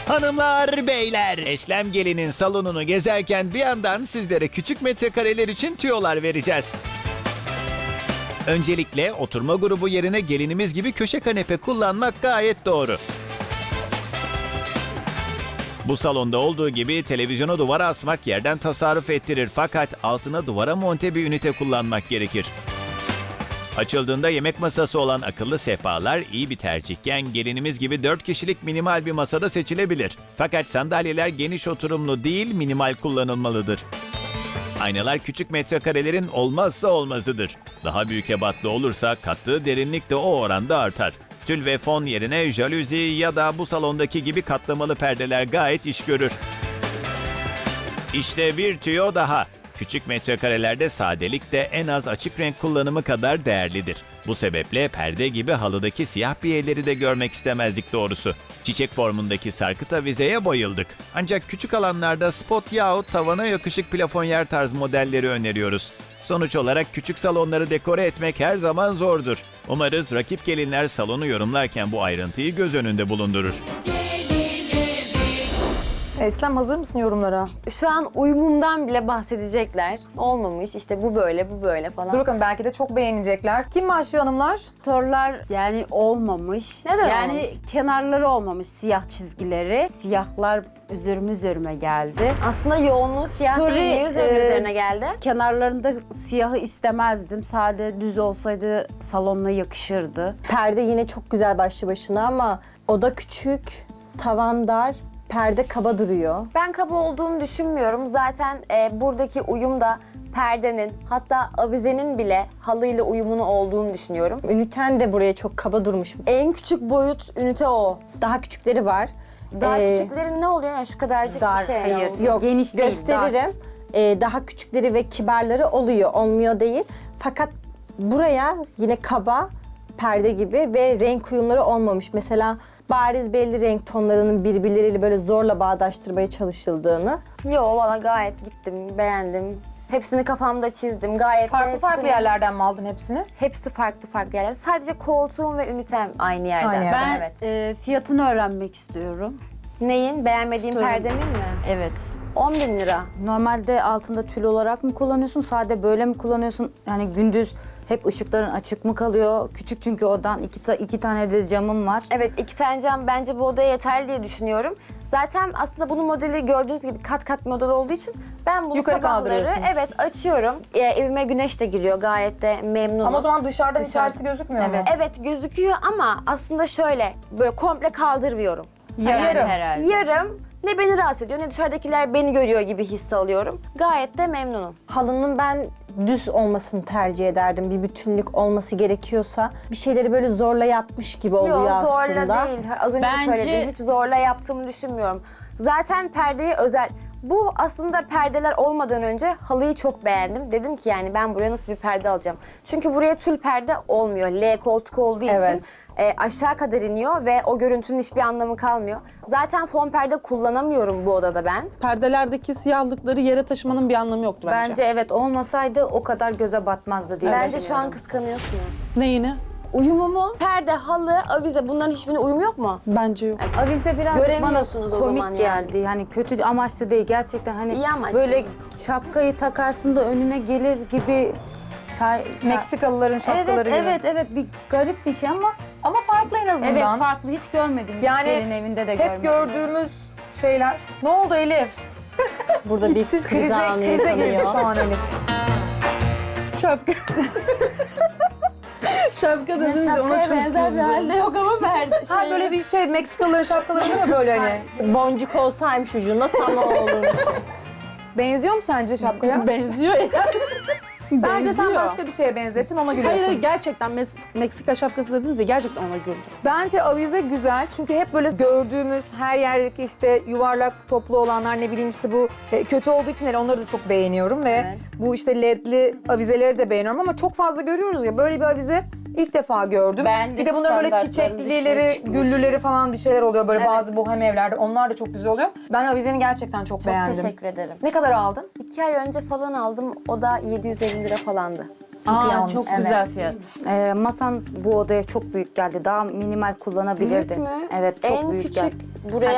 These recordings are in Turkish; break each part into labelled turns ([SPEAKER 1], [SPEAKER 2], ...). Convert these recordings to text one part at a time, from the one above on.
[SPEAKER 1] Hanımlar, beyler, Eslem Gelin'in salonunu gezerken bir yandan sizlere küçük metrekareler için tüyolar vereceğiz. Öncelikle oturma grubu yerine gelinimiz gibi köşe kanepe kullanmak gayet doğru. Bu salonda olduğu gibi televizyonu duvara asmak yerden tasarruf ettirir, fakat altına duvara monte bir ünite kullanmak gerekir. Açıldığında yemek masası olan akıllı sehpalar iyi bir tercihken gelinimiz gibi 4 kişilik minimal bir masada seçilebilir. Fakat sandalyeler geniş oturumlu değil, minimal kullanılmalıdır. Aynalar küçük metrekarelerin olmazsa olmazıdır. Daha büyük ebatlı olursa kattığı derinlik de o oranda artar. Tül ve fon yerine jaluzi ya da bu salondaki gibi katlamalı perdeler gayet iş görür. İşte bir tüyo daha. Küçük metrekarelerde sadelik de en az açık renk kullanımı kadar değerlidir. Bu sebeple perde gibi halıdaki siyah biyeleri de görmek istemezdik doğrusu. Çiçek formundaki sarkıt avizeye bayıldık. Ancak küçük alanlarda spot yahut tavana yakışık plafonyer tarz modelleri öneriyoruz. Sonuç olarak küçük salonları dekore etmek her zaman zordur. Umarız rakip gelinler salonu yorumlarken bu ayrıntıyı göz önünde bulundurur.
[SPEAKER 2] Eslem, hazır mısın yorumlara?
[SPEAKER 3] Şu an uyumumdan bile bahsedecekler. Olmamış, işte bu böyle, bu böyle falan.
[SPEAKER 2] Dur bakalım, belki de çok beğenecekler. Kim başlıyor hanımlar?
[SPEAKER 4] Torlar yani olmamış.
[SPEAKER 3] Neden
[SPEAKER 4] yani
[SPEAKER 3] olmamış?
[SPEAKER 4] kenarları olmamış, siyah çizgileri. Siyahlar üzerime geldi.
[SPEAKER 3] Aslında yoğunluğu siyah
[SPEAKER 4] Story,
[SPEAKER 3] değil, niye üzerine geldi?
[SPEAKER 4] Kenarlarında siyahı istemezdim. Sade düz olsaydı salonuna yakışırdı.
[SPEAKER 5] Perde yine çok güzel başlı başına ama oda küçük, tavan dar, perde kaba duruyor.
[SPEAKER 3] Ben kaba olduğunu düşünmüyorum. Zaten buradaki uyum da perdenin, hatta avizenin bile halıyla uyumunu olduğunu düşünüyorum.
[SPEAKER 5] Üniten de buraya çok kaba durmuş.
[SPEAKER 3] En küçük boyut ünite o.
[SPEAKER 5] Daha küçükleri var.
[SPEAKER 3] Daha
[SPEAKER 5] Ee,
[SPEAKER 3] küçüklerin ne oluyor? Yani şu kadarcık
[SPEAKER 4] Dar,
[SPEAKER 3] bir şey.
[SPEAKER 4] hayır.
[SPEAKER 5] Yok,
[SPEAKER 4] Geniş değil,
[SPEAKER 5] gösteririm. Daha küçükleri ve kibarları oluyor, olmuyor değil. Fakat buraya yine kaba, perde gibi ve renk uyumları olmamış. Mesela bariz belli renk tonlarının birbirleriyle böyle zorla bağdaştırmaya çalışıldığını.
[SPEAKER 3] Yo, valla gayet gittim, beğendim. Hepsini kafamda çizdim. Gayet de
[SPEAKER 2] Farklı farklı
[SPEAKER 3] hepsini-
[SPEAKER 2] yerlerden mi aldın hepsini?
[SPEAKER 3] Hepsi farklı farklı yerler. Sadece koltuğum ve ünitem aynı yerden.
[SPEAKER 2] Aynı yerden.
[SPEAKER 4] Ben
[SPEAKER 3] Evet.
[SPEAKER 4] fiyatını öğrenmek istiyorum.
[SPEAKER 3] Neyin? Beğenmediğim
[SPEAKER 4] Story.
[SPEAKER 3] perdemin mi?
[SPEAKER 4] Evet.
[SPEAKER 3] 10.000 lira.
[SPEAKER 6] Normalde altında tül olarak mı kullanıyorsun? Sade böyle mi kullanıyorsun? Yani gündüz hep ışıkların açık mı kalıyor? Küçük çünkü odan iki tane de camım var.
[SPEAKER 3] Evet, 2 tane cam bence bu odaya yeterli diye düşünüyorum. Zaten aslında bunun modeli gördüğünüz gibi kat kat model olduğu için ben bunu
[SPEAKER 2] Yukarı
[SPEAKER 3] sabahları
[SPEAKER 2] kaldırıyorsun.
[SPEAKER 3] evet açıyorum. Evime güneş de giriyor, gayet de memnunum.
[SPEAKER 2] Ama o zaman dışarıdan içerisi gözükmüyor mu?
[SPEAKER 3] Evet gözüküyor ama aslında şöyle böyle komple kaldırmıyorum.
[SPEAKER 2] Yarım.
[SPEAKER 4] herhalde.
[SPEAKER 3] Yarım ne beni rahatsız ediyor ne dışarıdakiler beni görüyor gibi his alıyorum. Gayet de memnunum.
[SPEAKER 5] Halının ben düz olmasını tercih ederdim. Bir bütünlük olması gerekiyorsa. Bir şeyleri böyle zorla yapmış gibi oluyor
[SPEAKER 3] Yok,
[SPEAKER 5] aslında.
[SPEAKER 3] zorla değil. Az önce de
[SPEAKER 4] Bence-
[SPEAKER 3] söyledim. Hiç zorla yaptığımı düşünmüyorum. Zaten perdeyi özel... Bu aslında perdeler olmadan önce halıyı çok beğendim. Dedim ki yani ben buraya nasıl bir perde alacağım? Çünkü buraya tül perde olmuyor. L koltuk olduğu
[SPEAKER 5] Evet.
[SPEAKER 3] için aşağı kadar iniyor ve o görüntünün hiçbir anlamı kalmıyor. Zaten fon perde kullanamıyorum bu odada ben.
[SPEAKER 7] Perdelerdeki siyahlıkları yere taşımanın bir anlamı yoktu bence.
[SPEAKER 6] Bence evet, olmasaydı o kadar göze batmazdı diye
[SPEAKER 3] Bence şu an
[SPEAKER 6] düşünüyorum.
[SPEAKER 3] kıskanıyorsunuz.
[SPEAKER 7] Neyini?
[SPEAKER 3] Uyumumu, perde, halı, avize bunların hiçbirine uyum yok mu?
[SPEAKER 7] Bence yok.
[SPEAKER 6] Avize biraz
[SPEAKER 3] Göremiyorsunuz
[SPEAKER 6] bana
[SPEAKER 3] o
[SPEAKER 6] komik
[SPEAKER 3] zaman yani.
[SPEAKER 6] geldi. Yani kötü amaçlı değil gerçekten, hani
[SPEAKER 3] İyi amaçlı.
[SPEAKER 6] böyle şapkayı takarsın da önüne gelir gibi.
[SPEAKER 2] Meksikalıların şapkaları
[SPEAKER 6] evet,
[SPEAKER 2] gibi.
[SPEAKER 6] evet bir garip bir şey ama
[SPEAKER 2] Ama farklı en azından.
[SPEAKER 6] evet, farklı, hiç görmedim.
[SPEAKER 2] Yani
[SPEAKER 6] Hiçbirinin evinde de
[SPEAKER 2] hep
[SPEAKER 6] görmedim.
[SPEAKER 2] gördüğümüz şeyler. Ne oldu Elif?
[SPEAKER 5] Burada bir kriz anı
[SPEAKER 2] Krize girdi
[SPEAKER 5] yaşanıyor.
[SPEAKER 2] şu an Elif.
[SPEAKER 7] Şapka. Şapka dediniz de ona çok
[SPEAKER 3] benzer bir halde yok ama perde.
[SPEAKER 2] Ha böyle bir şey, Meksikalıların şapkaları değil mi böyle hani?
[SPEAKER 5] Boncuk olsaymış ucunda tam o olurmuş.
[SPEAKER 2] Benziyor mu sence şapkaya?
[SPEAKER 7] benziyor ya.
[SPEAKER 2] Bence sen
[SPEAKER 7] Benziyor.
[SPEAKER 2] başka bir şeye benzettin, ona
[SPEAKER 7] Hayır,
[SPEAKER 2] gülüyorsun.
[SPEAKER 7] hayır, gerçekten Meksika şapkası dediniz ya, gerçekten ona güldüm.
[SPEAKER 2] Bence avize güzel çünkü hep böyle gördüğümüz her yerdeki işte yuvarlak toplu olanlar, ne bileyim işte bu kötü olduğu için hele onları da çok beğeniyorum ve
[SPEAKER 3] Evet.
[SPEAKER 2] bu işte ledli avizeleri de beğeniyorum ama çok fazla görüyoruz ya, böyle bir avize ilk defa gördüm.
[SPEAKER 6] Ben de
[SPEAKER 2] Bir de bunların böyle
[SPEAKER 6] standartların
[SPEAKER 2] çiçeklileri,
[SPEAKER 6] dışına çıkmış.
[SPEAKER 2] güllüleri falan bir şeyler oluyor böyle
[SPEAKER 3] Evet.
[SPEAKER 2] bazı bohem evlerde, onlar da çok güzel oluyor. Ben avizeni gerçekten çok beğendim.
[SPEAKER 3] Teşekkür ederim.
[SPEAKER 2] Ne kadar aldın?
[SPEAKER 3] 2 ay önce falan aldım. O da 750 lira falandı.
[SPEAKER 2] Çok iyi
[SPEAKER 4] Aa,
[SPEAKER 2] almışsın.
[SPEAKER 4] çok güzel fiyat.
[SPEAKER 6] Masan bu odaya çok büyük geldi. Daha minimal kullanabilirdin.
[SPEAKER 3] Büyük mü?
[SPEAKER 6] Evet, çok
[SPEAKER 3] en
[SPEAKER 6] büyük
[SPEAKER 3] küçük
[SPEAKER 6] geldi.
[SPEAKER 3] buraya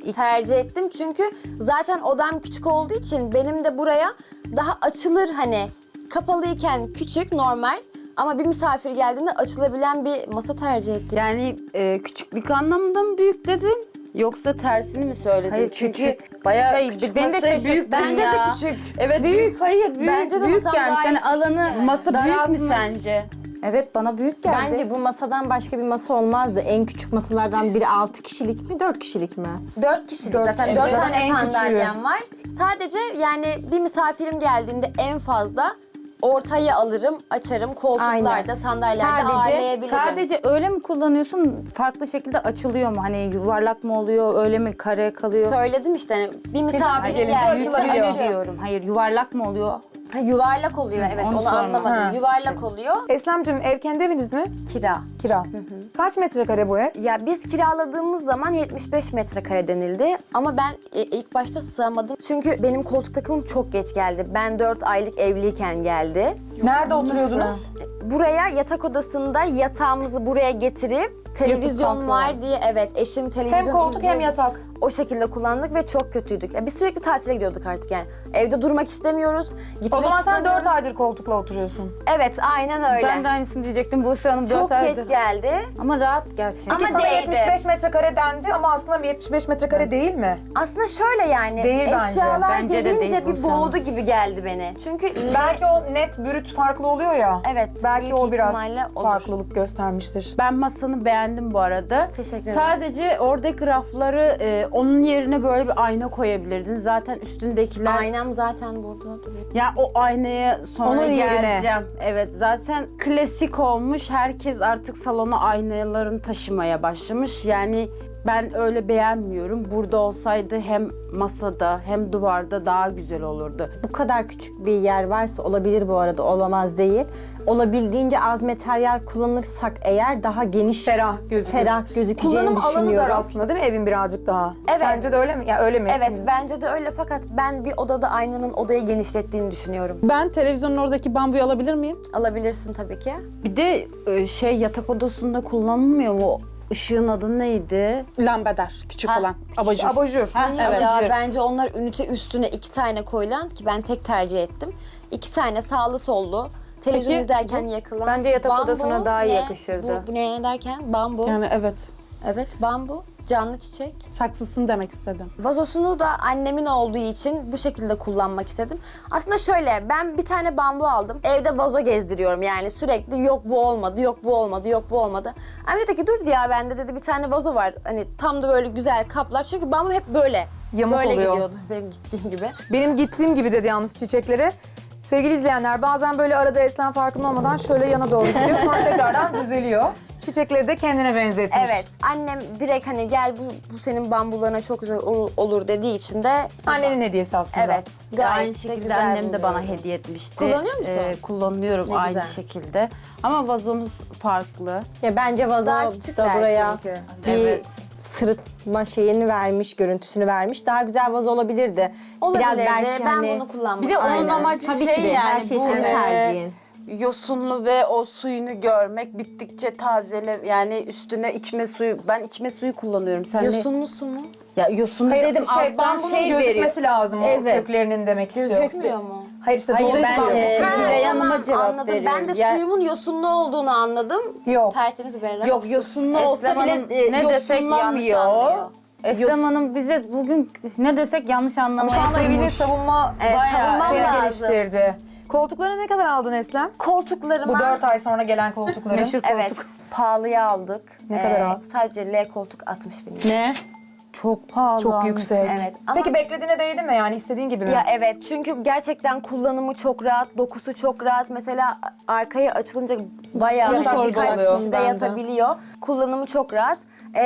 [SPEAKER 3] tercih ettim. Çünkü zaten odam küçük olduğu için benim de buraya daha açılır hani kapalıyken küçük normal ama bir misafir geldiğinde açılabilen bir masa tercih ettim.
[SPEAKER 4] Yani küçüklük anlamında mı büyük dedin? Yoksa tersini mi söyledin?
[SPEAKER 6] Hayır,
[SPEAKER 4] Çünkü
[SPEAKER 6] küçük.
[SPEAKER 4] bayağı
[SPEAKER 6] Şey,
[SPEAKER 4] küçük
[SPEAKER 6] beni de
[SPEAKER 4] masaya
[SPEAKER 6] şaşırt-
[SPEAKER 4] büyük
[SPEAKER 3] Bence
[SPEAKER 4] ya.
[SPEAKER 3] de küçük.
[SPEAKER 4] Evet
[SPEAKER 6] Büyük, hayır büyük.
[SPEAKER 3] Bence de
[SPEAKER 6] büyük
[SPEAKER 3] masam
[SPEAKER 6] gelmiş.
[SPEAKER 3] gayet
[SPEAKER 6] Yani alanı
[SPEAKER 3] küçük
[SPEAKER 4] Masa büyük mü
[SPEAKER 6] daraltmış.
[SPEAKER 4] sence?
[SPEAKER 6] Evet bana büyük geldi.
[SPEAKER 5] Bence bu masadan başka bir masa olmazdı. En küçük masalardan biri 6 kişilik mi 4 kişilik mi?
[SPEAKER 3] 4 kişilik
[SPEAKER 2] Dört
[SPEAKER 3] zaten
[SPEAKER 2] kişilik.
[SPEAKER 3] 4
[SPEAKER 2] Zaten
[SPEAKER 3] tane
[SPEAKER 2] en küçüğü.
[SPEAKER 3] sandalyem var. Sadece yani bir misafirim geldiğinde en fazla ortaya alırım, açarım. Koltuklarda,
[SPEAKER 5] Aynen.
[SPEAKER 3] sandalyelerde
[SPEAKER 5] Sadece-
[SPEAKER 3] ağırlayabilirim.
[SPEAKER 6] Sadece öyle mi kullanıyorsun? Farklı şekilde açılıyor mu? Hani yuvarlak mı oluyor? Öyle mi kare kalıyor?
[SPEAKER 3] Söyledim işte hani bir misafir
[SPEAKER 2] gelince
[SPEAKER 3] geldiğinde
[SPEAKER 2] açılabiliyor.
[SPEAKER 6] Öyle diyorum. Hayır yuvarlak mı oluyor?
[SPEAKER 3] Ha, yuvarlak oluyor evet
[SPEAKER 6] Onu
[SPEAKER 3] onu
[SPEAKER 6] sorma.
[SPEAKER 3] anlamadım.
[SPEAKER 2] Ha.
[SPEAKER 3] Yuvarlak oluyor.
[SPEAKER 2] Eslemciğim ev kendi eviniz mi?
[SPEAKER 3] Kira.
[SPEAKER 2] Kira. Kaç metrekare bu ev?
[SPEAKER 3] Ya biz kiraladığımız zaman 75 metrekare denildi ama ben ilk başta sığamadım. Çünkü benim koltuk takımım çok geç geldi. Ben 4 aylık evliyken geldi.
[SPEAKER 2] Nerede oturuyordunuz?
[SPEAKER 3] Buraya yatak odasında yatağımızı buraya getirip televizyon
[SPEAKER 2] kalkıyor.
[SPEAKER 3] var diye evet eşim televizyon
[SPEAKER 2] Hem koltuk hem
[SPEAKER 3] izliyordu.
[SPEAKER 2] yatak.
[SPEAKER 3] O şekilde kullandık ve çok kötüydük. Ya biz sürekli tatile gidiyorduk artık yani. Evde durmak istemiyoruz. Gitmek
[SPEAKER 2] O zaman sen 4
[SPEAKER 3] istemiyoruz.
[SPEAKER 2] aydır koltukla oturuyorsun.
[SPEAKER 3] Evet aynen öyle.
[SPEAKER 6] Ben de aynısını diyecektim. Buse Hanım 4
[SPEAKER 3] çok
[SPEAKER 6] aydır.
[SPEAKER 3] geç geldi.
[SPEAKER 6] Ama rahat gerçekten.
[SPEAKER 3] Ama
[SPEAKER 2] Sana
[SPEAKER 3] değdi.
[SPEAKER 2] 75 metrekare dendi ama aslında 75 metrekare değil mi?
[SPEAKER 3] Aslında şöyle yani
[SPEAKER 2] Değil bence.
[SPEAKER 3] eşyalar
[SPEAKER 6] Bence de
[SPEAKER 3] gelince
[SPEAKER 6] değil
[SPEAKER 3] bir
[SPEAKER 6] Buse Hanım.
[SPEAKER 3] boğdu gibi geldi beni. Çünkü
[SPEAKER 2] Belki o net brüt farklı oluyor ya.
[SPEAKER 3] Evet,
[SPEAKER 2] Belki
[SPEAKER 3] büyük
[SPEAKER 2] o biraz
[SPEAKER 3] ihtimalle olur.
[SPEAKER 2] farklılık göstermiştir.
[SPEAKER 4] Ben masanı beğendim bu arada.
[SPEAKER 3] Teşekkür ederim.
[SPEAKER 4] Sadece oradaki rafları onun yerine böyle bir ayna koyabilirdin. Zaten üstündekiler...
[SPEAKER 3] aynam zaten burada duruyor.
[SPEAKER 4] Ya o aynaya sonra
[SPEAKER 2] Onun yerine.
[SPEAKER 4] geleceğim. Evet zaten klasik olmuş. Herkes artık salona aynalarını taşımaya başlamış. Yani ben öyle beğenmiyorum. Burada olsaydı hem masada hem duvarda daha güzel olurdu.
[SPEAKER 5] Bu kadar küçük bir yer varsa olabilir bu arada, olamaz değil. Olabildiğince az materyal kullanırsak eğer daha geniş,
[SPEAKER 2] Ferah gözüküyor.
[SPEAKER 5] ferah gözükeceğini
[SPEAKER 2] Kullanım alanı
[SPEAKER 5] düşünüyorum.
[SPEAKER 2] dar aslında değil mi evin birazcık daha?
[SPEAKER 3] Evet.
[SPEAKER 2] Sence de öyle mi? Ya öyle mi?
[SPEAKER 3] Evet bence de öyle fakat ben bir odada aynanın odayı genişlettiğini düşünüyorum.
[SPEAKER 7] Ben televizyonun oradaki bambuyu alabilir miyim?
[SPEAKER 3] Alabilirsin tabii ki.
[SPEAKER 4] Bir de yatak odasında kullanılmıyor mu? Işığın adı neydi?
[SPEAKER 7] Lambader, küçük olan. Abajur.
[SPEAKER 2] Abajur.
[SPEAKER 7] Evet.
[SPEAKER 3] Ya bence onlar ünite üstüne 2 tane koyulan ki ben tek tercih ettim. 2 tane sağlı sollu. Televizyon
[SPEAKER 7] Peki,
[SPEAKER 3] izlerken yakılan.
[SPEAKER 6] Bence yatak
[SPEAKER 3] Bambu
[SPEAKER 6] odasına daha iyi
[SPEAKER 3] ne?
[SPEAKER 6] yakışırdı.
[SPEAKER 3] Bu ne derken? Bambu.
[SPEAKER 7] Yani evet.
[SPEAKER 3] Evet bambu. Canlı çiçek.
[SPEAKER 7] Saksısını demek istedim.
[SPEAKER 3] Vazosunu da annemin olduğu için bu şekilde kullanmak istedim. Aslında şöyle ben bir tane bambu aldım. Evde vazo gezdiriyorum yani sürekli yok bu olmadı, yok bu olmadı, yok bu olmadı. Anne dedi ki dur ya bende dedi bir tane vazo var. Hani tam da böyle güzel kaplar. Çünkü bambu hep böyle.
[SPEAKER 2] Yamuk
[SPEAKER 3] böyle
[SPEAKER 2] oluyor.
[SPEAKER 3] gidiyordu benim gittiğim gibi.
[SPEAKER 2] Benim gittiğim gibi dedi yalnız çiçekleri. Sevgili izleyenler bazen böyle arada Eslem farkında olmadan şöyle yana doğru gidiyor. Sonra tekrardan düzeliyor. Çiçekleri de kendine benzetmiş.
[SPEAKER 3] Evet annem direkt hani gel bu senin bambularına çok güzel olur dediği için de
[SPEAKER 2] Annenin hediyesi aslında.
[SPEAKER 3] evet
[SPEAKER 4] Aynı
[SPEAKER 3] gayet de
[SPEAKER 4] şekilde
[SPEAKER 3] güzel
[SPEAKER 4] annem de bana
[SPEAKER 3] buluyorum.
[SPEAKER 4] hediye etmişti.
[SPEAKER 3] Kullanıyor musun?
[SPEAKER 4] Kullanıyorum
[SPEAKER 3] Ne
[SPEAKER 4] aynı
[SPEAKER 3] güzel.
[SPEAKER 4] şekilde. Ama vazomuz farklı.
[SPEAKER 5] Ya bence vazo
[SPEAKER 3] Daha
[SPEAKER 5] da
[SPEAKER 3] küçükler
[SPEAKER 5] buraya
[SPEAKER 3] çünkü.
[SPEAKER 5] bir
[SPEAKER 4] Evet.
[SPEAKER 5] sırıtma şeyini vermiş, görüntüsünü vermiş. Daha güzel vazo olabilirdi.
[SPEAKER 3] Olabilirdi.
[SPEAKER 5] belki
[SPEAKER 3] Ben
[SPEAKER 5] hani-
[SPEAKER 3] bunu kullanmak
[SPEAKER 4] Bir de onun
[SPEAKER 3] istedim.
[SPEAKER 4] amacı
[SPEAKER 5] Tabii
[SPEAKER 4] şey
[SPEAKER 5] ki de
[SPEAKER 4] yani
[SPEAKER 5] her şey
[SPEAKER 4] bu
[SPEAKER 5] senin tercihin.
[SPEAKER 4] yosunlu ve o suyunu görmek, bittikçe tazele yani üstüne içme suyu. Ben içme suyu kullanıyorum. Sen
[SPEAKER 3] Yosunlu su mu?
[SPEAKER 4] Ya yosunlu
[SPEAKER 2] Hayır,
[SPEAKER 4] dedim
[SPEAKER 2] ben
[SPEAKER 4] alttan
[SPEAKER 2] bunun
[SPEAKER 4] şey
[SPEAKER 2] gözükmesi
[SPEAKER 4] veriyor.
[SPEAKER 2] lazım o
[SPEAKER 4] Evet.
[SPEAKER 2] köklerinin demek istiyor.
[SPEAKER 3] Gözükmüyor mu?
[SPEAKER 2] Hayır işte
[SPEAKER 4] Hayır,
[SPEAKER 2] doğru
[SPEAKER 4] ben,
[SPEAKER 2] kullanıyorsun.
[SPEAKER 4] Gülay
[SPEAKER 3] tamam,
[SPEAKER 4] Hanım'a cevap
[SPEAKER 3] anladım.
[SPEAKER 4] veriyorum.
[SPEAKER 3] Ben de
[SPEAKER 4] Ya-
[SPEAKER 3] suyumun yosunlu olduğunu anladım.
[SPEAKER 2] Yok.
[SPEAKER 3] Tertemiz berrak.
[SPEAKER 4] Yok yosunlu
[SPEAKER 6] Eslem
[SPEAKER 4] olsa
[SPEAKER 6] Hanım
[SPEAKER 4] bile
[SPEAKER 6] ne desek yanlış
[SPEAKER 4] yosunlamıyor.
[SPEAKER 6] anlıyor. Eslem Hanım bize bugün ne desek yanlış
[SPEAKER 2] Ama
[SPEAKER 6] anlamaya
[SPEAKER 2] şu anda evini savunma
[SPEAKER 3] savunmam
[SPEAKER 2] şeyini
[SPEAKER 3] lazım.
[SPEAKER 2] geliştirdi. Koltukları ne kadar aldın Eslem?
[SPEAKER 3] Koltuklarıma...
[SPEAKER 2] Bu 4 ay sonra gelen koltukları.
[SPEAKER 6] Meşhur
[SPEAKER 3] Evet,
[SPEAKER 6] koltuk.
[SPEAKER 3] pahalıya aldık.
[SPEAKER 2] Ne kadar aldın?
[SPEAKER 3] Sadece L koltuk 60 bin lira.
[SPEAKER 7] Ne?
[SPEAKER 6] Çok pahalı.
[SPEAKER 2] Çok
[SPEAKER 6] almış.
[SPEAKER 2] yüksek.
[SPEAKER 3] Evet, ama-
[SPEAKER 2] Peki beklediğine değdi mi yani istediğin gibi mi?
[SPEAKER 3] Ya evet çünkü gerçekten kullanımı çok rahat, dokusu çok rahat. Mesela arkaya açılınca bayağı
[SPEAKER 2] Onu
[SPEAKER 3] birkaç
[SPEAKER 2] sorguluyorum
[SPEAKER 3] kişi de
[SPEAKER 7] ben de.
[SPEAKER 3] yatabiliyor. Kullanımı çok rahat.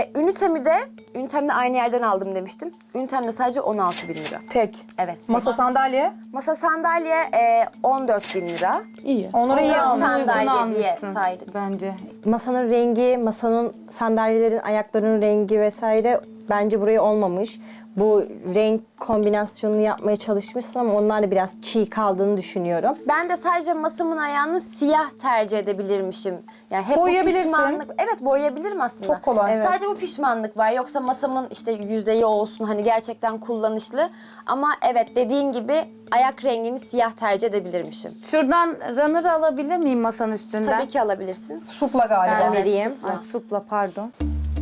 [SPEAKER 3] Ünitemde aynı yerden aldım demiştim. Ünitemde sadece 16 bin lira.
[SPEAKER 2] Tek.
[SPEAKER 3] Evet.
[SPEAKER 2] Masa sandalye.
[SPEAKER 3] Masa sandalye 14 bin lira.
[SPEAKER 7] İyi.
[SPEAKER 2] Onları iyi
[SPEAKER 3] Onları
[SPEAKER 2] almış.
[SPEAKER 3] sandalye
[SPEAKER 6] Uygun
[SPEAKER 3] diye
[SPEAKER 6] almışsın
[SPEAKER 3] saydık.
[SPEAKER 6] Bence.
[SPEAKER 5] Masanın rengi, masanın sandalyelerin ayaklarının rengi vesaire Bence buraya olmamış. Bu renk kombinasyonunu yapmaya çalışmışsın ama onlar da biraz çiğ kaldığını düşünüyorum.
[SPEAKER 3] Ben de sadece masamın ayağını siyah tercih edebilirmişim. Yani hep bu
[SPEAKER 2] Boyayabilirsin.
[SPEAKER 3] pişmanlık. Evet, boyayabilirim aslında.
[SPEAKER 2] Çok kolay. Evet.
[SPEAKER 3] Sadece bu pişmanlık var. Yoksa masamın işte yüzeyi olsun, hani gerçekten kullanışlı. Ama evet, dediğin gibi ayak rengini siyah tercih edebilirmişim.
[SPEAKER 6] Şuradan runner'ı alabilir miyim masanın üstünden?
[SPEAKER 3] Tabii ki alabilirsin.
[SPEAKER 2] Supla galiba.
[SPEAKER 5] Ben vereyim.
[SPEAKER 6] Ay, supla pardon.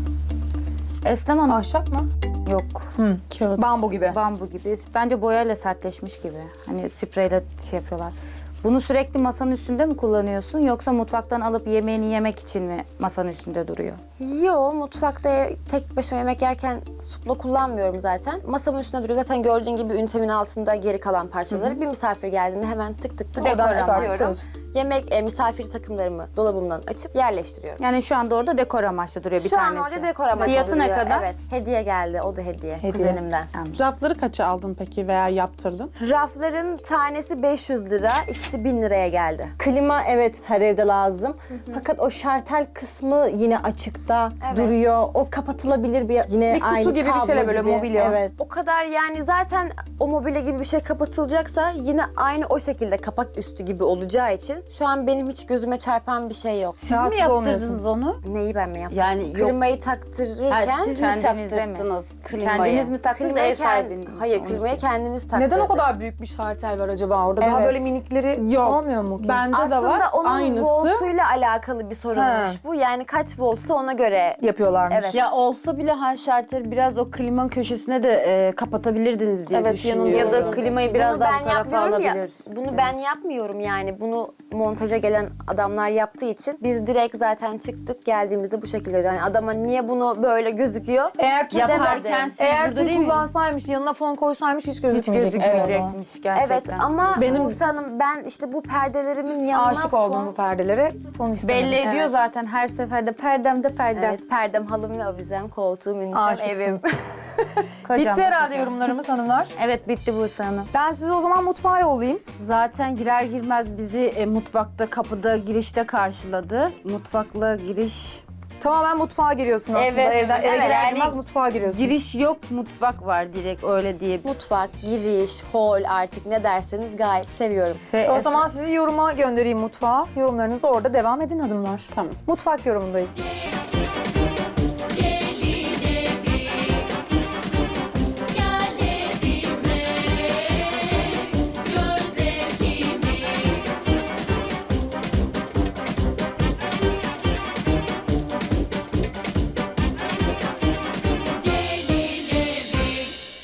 [SPEAKER 6] Eslem Hanım.
[SPEAKER 2] Ahşap mı?
[SPEAKER 6] Yok.
[SPEAKER 7] Kağıt.
[SPEAKER 2] Bambu gibi.
[SPEAKER 6] Bambu gibi. Bence boyayla sertleşmiş gibi. Hani spreyle şey yapıyorlar. Bunu sürekli masanın üstünde mi kullanıyorsun yoksa mutfaktan alıp yemeğini yemek için mi masanın üstünde duruyor?
[SPEAKER 3] Yo, mutfakta tek başıma yemek yerken supla kullanmıyorum zaten. Masamın üstünde duruyor. Zaten gördüğün gibi ünitemin altında geri kalan parçaları. Bir misafir geldiğinde hemen tık tık tık
[SPEAKER 2] Oradan
[SPEAKER 3] oradan
[SPEAKER 2] çıkartıp
[SPEAKER 3] açıyorum.
[SPEAKER 2] koyuyorsun.
[SPEAKER 3] Yemek, misafir takımlarımı dolabımdan açıp yerleştiriyorum.
[SPEAKER 6] Yani şu anda orada dekor amaçlı duruyor bir
[SPEAKER 3] Şu an
[SPEAKER 6] tanesi.
[SPEAKER 3] orada dekor amaçlı
[SPEAKER 6] Fiyatı ne
[SPEAKER 3] duruyor.
[SPEAKER 6] kadar?
[SPEAKER 3] Evet, hediye geldi. O da hediye. Kuzenimden.
[SPEAKER 7] Rafları kaça aldın peki veya yaptırdın?
[SPEAKER 3] Rafların tanesi 500 lira, ikisi 1000 liraya geldi.
[SPEAKER 5] Klima evet her evde lazım. Fakat o şartel kısmı yine açıkta duruyor. O kapatılabilir bir yine
[SPEAKER 2] Bir kutu
[SPEAKER 5] aynı
[SPEAKER 2] gibi bir
[SPEAKER 5] kablo
[SPEAKER 2] şeyle böyle
[SPEAKER 5] gibi.
[SPEAKER 2] mobilya.
[SPEAKER 5] Evet.
[SPEAKER 3] O kadar, yani zaten o mobilya gibi bir şey kapatılacaksa yine aynı o şekilde kapak üstü gibi olacağı için şu an benim hiç gözüme çarpan bir şey yok.
[SPEAKER 4] Siz mi
[SPEAKER 2] Rahatsız
[SPEAKER 4] yaptırdınız onu?
[SPEAKER 3] Neyi ben mi yaptım?
[SPEAKER 4] Yani yok.
[SPEAKER 3] Klimayı taktırırken
[SPEAKER 4] Ha, siz mi
[SPEAKER 6] Kendinize mi?
[SPEAKER 4] taktırdınız klimayı?
[SPEAKER 6] Kendiniz mi taktınız ev sahibiniz mi?
[SPEAKER 3] Hayır, klimayı kendimiz taktırdık.
[SPEAKER 2] Neden o kadar büyük bir şartel var acaba orada? Daha
[SPEAKER 5] Evet.
[SPEAKER 2] böyle minikleri
[SPEAKER 7] Yok.
[SPEAKER 2] olmuyor mu ki?
[SPEAKER 7] Bende de
[SPEAKER 3] Aslında
[SPEAKER 7] var
[SPEAKER 3] onun
[SPEAKER 7] aynısı.
[SPEAKER 3] voltuyla alakalı bir sorunmuş
[SPEAKER 2] He.
[SPEAKER 3] bu. Yani kaç voltsa ona göre.
[SPEAKER 2] Yapıyorlarmış.
[SPEAKER 3] Evet.
[SPEAKER 4] Ya olsa bile şarteri biraz o klimanın köşesine de kapatabilirdiniz diye
[SPEAKER 3] Evet,
[SPEAKER 4] düşünüyorum.
[SPEAKER 3] yanında
[SPEAKER 6] Ya da klimayı biraz
[SPEAKER 3] Bunu
[SPEAKER 6] daha
[SPEAKER 3] ben
[SPEAKER 6] bu tarafa
[SPEAKER 3] yapmıyorum ya.
[SPEAKER 6] alabilir.
[SPEAKER 3] Bunu ben yapmıyorum yani. Bunu montaja gelen adamlar yaptığı için biz direkt zaten çıktık, geldiğimizde bu şekilde. Yani adama niye bunu böyle gözüküyor?
[SPEAKER 2] Eğer tül
[SPEAKER 4] Yaparken siz
[SPEAKER 2] eğer
[SPEAKER 4] burada
[SPEAKER 2] tül
[SPEAKER 4] değil mi?
[SPEAKER 2] kullansaymış, yanına fon koysaymış hiç
[SPEAKER 6] Hiç
[SPEAKER 2] gözükmeyecek.
[SPEAKER 6] gözükmeyecekmiş gerçekten.
[SPEAKER 3] Evet, ama Buse Hanım, ben işte bu perdelerimin yanına
[SPEAKER 2] Aşık oldum bu perdelere. Fon istemedim.
[SPEAKER 6] Belli ediyor zaten her seferde perdemde perdem.
[SPEAKER 3] Evet, perdem, halım ve avizem, koltuğum, ünitem,
[SPEAKER 2] Aşıksın.
[SPEAKER 3] evim.
[SPEAKER 6] Kocaman,
[SPEAKER 2] Bitti herhalde
[SPEAKER 6] kocaman.
[SPEAKER 2] yorumlarımız hanımlar.
[SPEAKER 6] Evet bitti bu Hanım.
[SPEAKER 2] Ben sizi o zaman mutfağa yollayayım.
[SPEAKER 4] Zaten girer girmez bizi mutfakta, kapıda, girişte karşıladı. Mutfakla giriş...
[SPEAKER 2] Tamamen mutfağa giriyorsun aslında.
[SPEAKER 4] Evet,
[SPEAKER 2] Eve
[SPEAKER 4] evet.
[SPEAKER 2] girer
[SPEAKER 4] Yani
[SPEAKER 2] girmez mutfağa giriyorsun.
[SPEAKER 4] Giriş yok, mutfak var direkt öyle diye.
[SPEAKER 3] Mutfak, giriş, hol, artık ne derseniz gayet seviyorum.
[SPEAKER 2] O zaman sizi yoruma göndereyim mutfağa. Yorumlarınızı orada devam edin hanımlar.
[SPEAKER 7] Tamam.
[SPEAKER 2] Mutfak yorumundayız.